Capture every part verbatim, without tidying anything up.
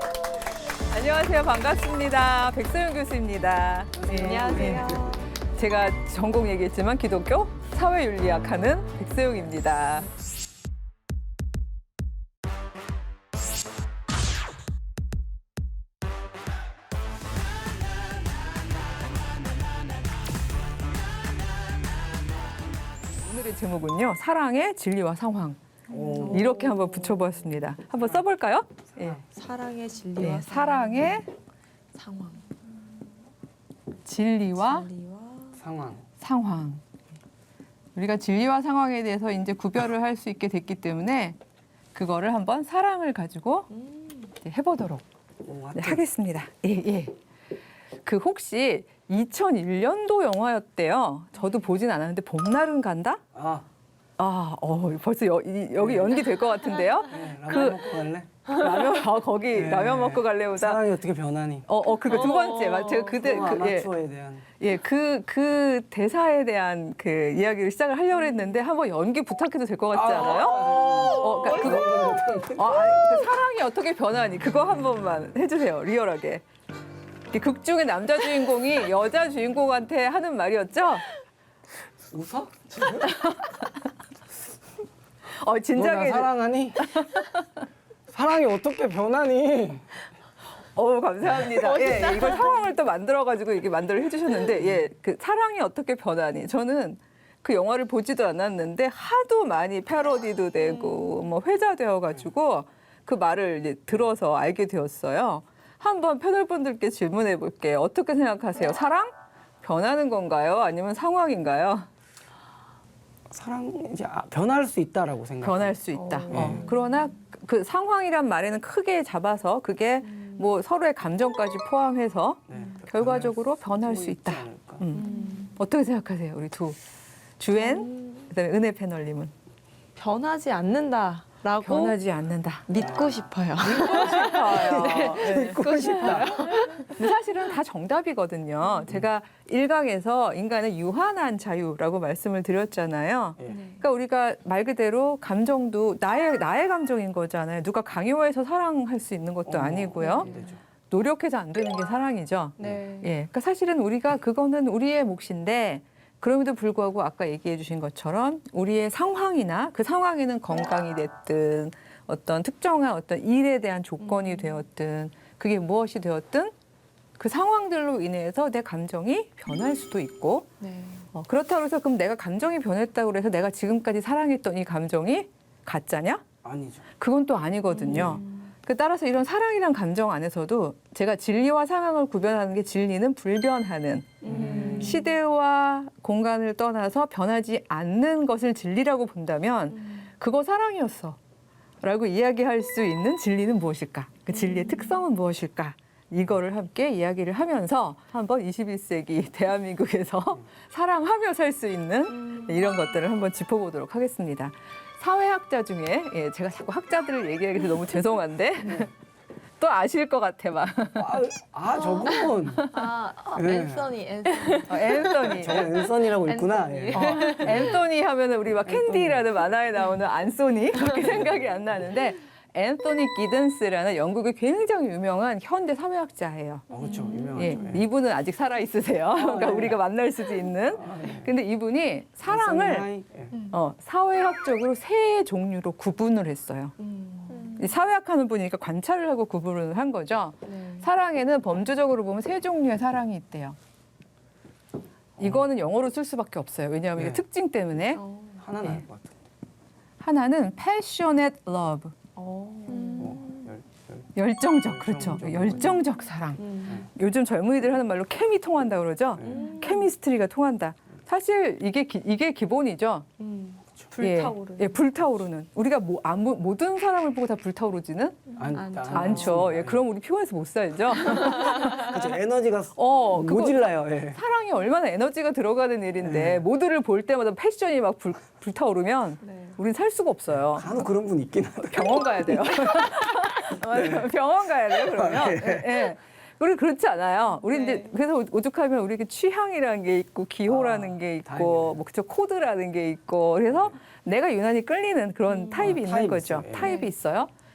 안녕하세요. 반갑습니다. 백소영 교수입니다. 네, 안녕하세요. 네. 제가 전공 얘기했지만 기독교 사회윤리학 하는 백소영입니다. 오늘의 제목은요. 사랑의 진리와 상황. 오. 이렇게 한번 붙여보았습니다. 한번 써볼까요? 예. 사랑의 진리와 네, 사랑의 상황. 진리와 진리와 상황. 상황. 우리가 진리와 상황에 대해서 이제 구별을 할 수 있게 됐기 때문에 그거를 한번 사랑을 가지고 음. 이제 해보도록 오, 네, 하겠습니다. 예, 예. 그 혹시 이천일 년도 영화였대요. 저도 보진 않았는데 봄날은 간다? 아, 아, 어, 벌써 여, 이, 여기 연기 될 것 같은데요? 네, 라면 그- 먹고 갈래? 라면, 아, 거기 네. 라면 먹고 갈래보다. 사랑이 어떻게 변하니? 어, 어, 그리고 두 번째, 맞- 제가 그대, 어, 그, 예, 아마추어에 대한. 예, 그, 그 대사에 대한 그 이야기를 시작을 하려고 했는데 한번 연기 부탁해도 될 것 같지 않아요? 어, 그러니까 그거, 어, 아니, 그 사랑이 어떻게 변하니? 그거 한 번만 해주세요, 리얼하게. 이 극 중에 남자 주인공이 여자 주인공한테 하는 말이었죠? 웃어? 어, 너 나 진작에. 사랑하니? 사랑이 어떻게 변하니? 어 감사합니다. 예, 이걸 상황을 또 만들어가지고 이렇게 만들어 해주셨는데, 예, 그 사랑이 어떻게 변하니? 저는 그 영화를 보지도 않았는데 하도 많이 패러디도 되고 뭐 회자되어가지고 그 말을 이제 들어서 알게 되었어요. 한번 패널분들께 질문해 볼게요. 어떻게 생각하세요? 사랑 변하는 건가요? 아니면 상황인가요? 사랑 이제 아, 변할 수 있다라고 생각. 변할 수 있다. 어. 어. 그러나 그 상황이란 말에는 크게 잡아서 그게 뭐 서로의 감정까지 포함해서 네, 결과적으로 변할 수 있다. 않을까. 음. 어떻게 생각하세요, 우리 두 주엔 음, 그다음에 은혜 패널님은? 변하지 않는다라고 변하지 않는다. 믿고 싶어요. 싶어요. 네. 믿고 싶다. 근데 사실은 다 정답이거든요. 제가 일 강에서 인간의 유한한 자유라고 말씀을 드렸잖아요. 예. 그러니까 우리가 말 그대로 감정도 나의 나의 감정인 거잖아요. 누가 강요해서 사랑할 수 있는 것도 어, 아니고요. 안 되죠. 노력해서 안 되는 게 사랑이죠. 네. 예, 그러니까 사실은 우리가 그거는 우리의 몫인데 그럼에도 불구하고 아까 얘기해 주신 것처럼 우리의 상황이나 그 상황에는 건강이 됐든 어떤 특정한 어떤 일에 대한 조건이 되었든 그게 무엇이 되었든 그 상황들로 인해서 내 감정이 변할 수도 있고 네. 어, 그렇다고 해서 그럼 내가 감정이 변했다고 해서 내가 지금까지 사랑했던 이 감정이 가짜냐? 아니죠. 그건 또 아니거든요. 그 따라서 이런 사랑이란 감정 안에서도 제가 진리와 상황을 구별하는 게 진리는 불변하는 음. 시대와 공간을 떠나서 변하지 않는 것을 진리라고 본다면 그거 사랑이었어 라고 이야기할 수 있는 진리는 무엇일까? 그 진리의 특성은 무엇일까? 이거를 함께 이야기를 하면서 한번 이십일 세기 대한민국에서 사랑하며 살 수 있는 이런 것들을 한번 짚어보도록 하겠습니다. 사회학자 중에 예, 제가 자꾸 학자들을 얘기하게 돼서 너무 죄송한데 또 아실 것 같아 막. 아, 아 저건. 아, 아 네. 앤서니, 앤서니. 어, 앤서니. 저건 앤서니라고 있구나. 앤서니. 예. 어, 앤토니 하면은 우리 막 캔디라는 만화에 나오는 안소니 그렇게 생각이 안 나는데 앤토니 기든스라는 영국의 굉장히 유명한 현대 사회학자예요. 어, 그렇죠. 유명하죠. 예, 예. 이분은 아직 살아 있으세요. 그러니까 네. 우리가 만날 수도 있는. 아, 예. 근데 이분이 사랑을 앤서니, 예. 어, 사회학적으로 세 종류로 구분을 했어요. 음. 이 사회학하는 분이니까 관찰을 하고 구분을 한 거죠. 네. 사랑에는 범주적으로 보면 세 종류의 사랑이 있대요. 이거는 영어로 쓸 수밖에 없어요. 왜냐하면 이게 네. 특징 때문에. 어. 하나 예. 나을 것 같아. 하나는 passionate love, 어. 어, 열, 열. 열정적, 그렇죠. 열정적. 열정적 사랑. 음. 요즘 젊은이들 하는 말로 케미 통한다 그러죠. 음. 케미스트리가 통한다. 사실 이게 기, 이게 기본이죠. 음. 예, 불타오르는. 예, 불타오르는. 우리가 뭐 아무 모든 사람을 보고 다 불타오르지는 안, 않죠. 안- 않죠. 예, 예. 그럼 우리 피곤해서 못 살죠. 그렇죠. 에너지가 어, 그거 모질라요. 예. 사랑이 얼마나 에너지가 들어가는 일인데 네. 모두를 볼 때마다 패션이 막 불, 불타오르면 네. 우린 살 수가 없어요. 간혹 그런 분 있긴 하더라고요. 병원 가야 돼요. 맞아요. 병원 가야 돼요. 그러면. 네. 예. 예. 우리 그렇지 않아요. 우리 네. 이제 그래서 오죽하면 우리에게 취향이라는 게 있고 기호라는 아, 게 있고 다행이네요. 뭐 그죠 코드라는 게 있고 그래서 내가 유난히 끌리는 그런 타입이 있는 타입이 거죠. 있어요. 예. 타입이 네. 있어요.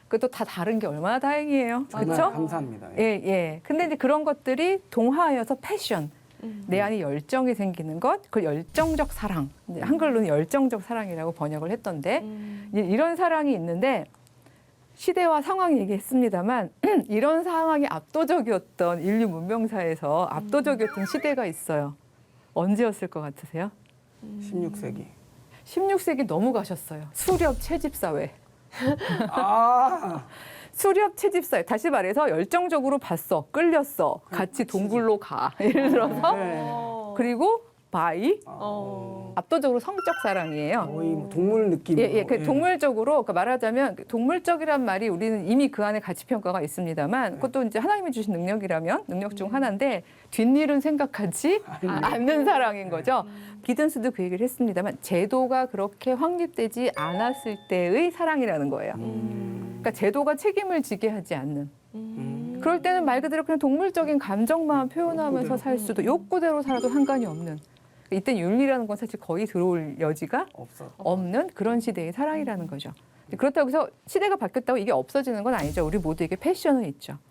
그것도 다 다른 게 얼마나 다행이에요. 정말 그렇죠? 감사합니다. 예, 예. 근데 이제 그런 것들이 동화여서 패션. 음. 내 안에 열정이 생기는 것, 그 열정적 사랑. 이제 한글로는 열정적 사랑이라고 번역을 했던데 음. 이- 이런 사랑이 있는데 시대와 상황 얘기했습니다만 이런 상황이 압도적이었던 인류 문명사에서 압도적이었던 시대가 있어요. 언제였을 것 같으세요? 십육 세기. 십육 세기 넘어가셨어요. 수렵 채집사회. 아, 수렵 채집사회. 다시 말해서 열정적으로 봤어. 끌렸어. 같이 동굴로 가. 예를 들어서. 네. 어. 그리고 바이. 어. 압도적으로 성적 사랑이에요. 거의 뭐 동물 느낌으로. 예, 예, 그 동물적으로 그러니까 말하자면 동물적이란 말이 우리는 이미 그 안에 가치 평가가 있습니다만 그것도 이제 하나님이 주신 능력이라면 능력 중 하나인데 뒷일은 생각하지 않는 사랑인 거죠. 기든스도 그 얘기를 했습니다만 제도가 그렇게 확립되지 않았을 때의 사랑이라는 거예요. 음. 그러니까 제도가 책임을 지게 하지 않는. 음. 그럴 때는 말 그대로 그냥 동물적인 감정만 표현하면서 살 수도 욕구대로 살아도 상관이 없는. 이때 윤리라는 건 사실 거의 들어올 여지가 없어. 없는 그런 시대의 사랑이라는 거죠. 그렇다고 해서 시대가 바뀌었다고 이게 없어지는 건 아니죠. 우리 모두에게 패션은 있죠.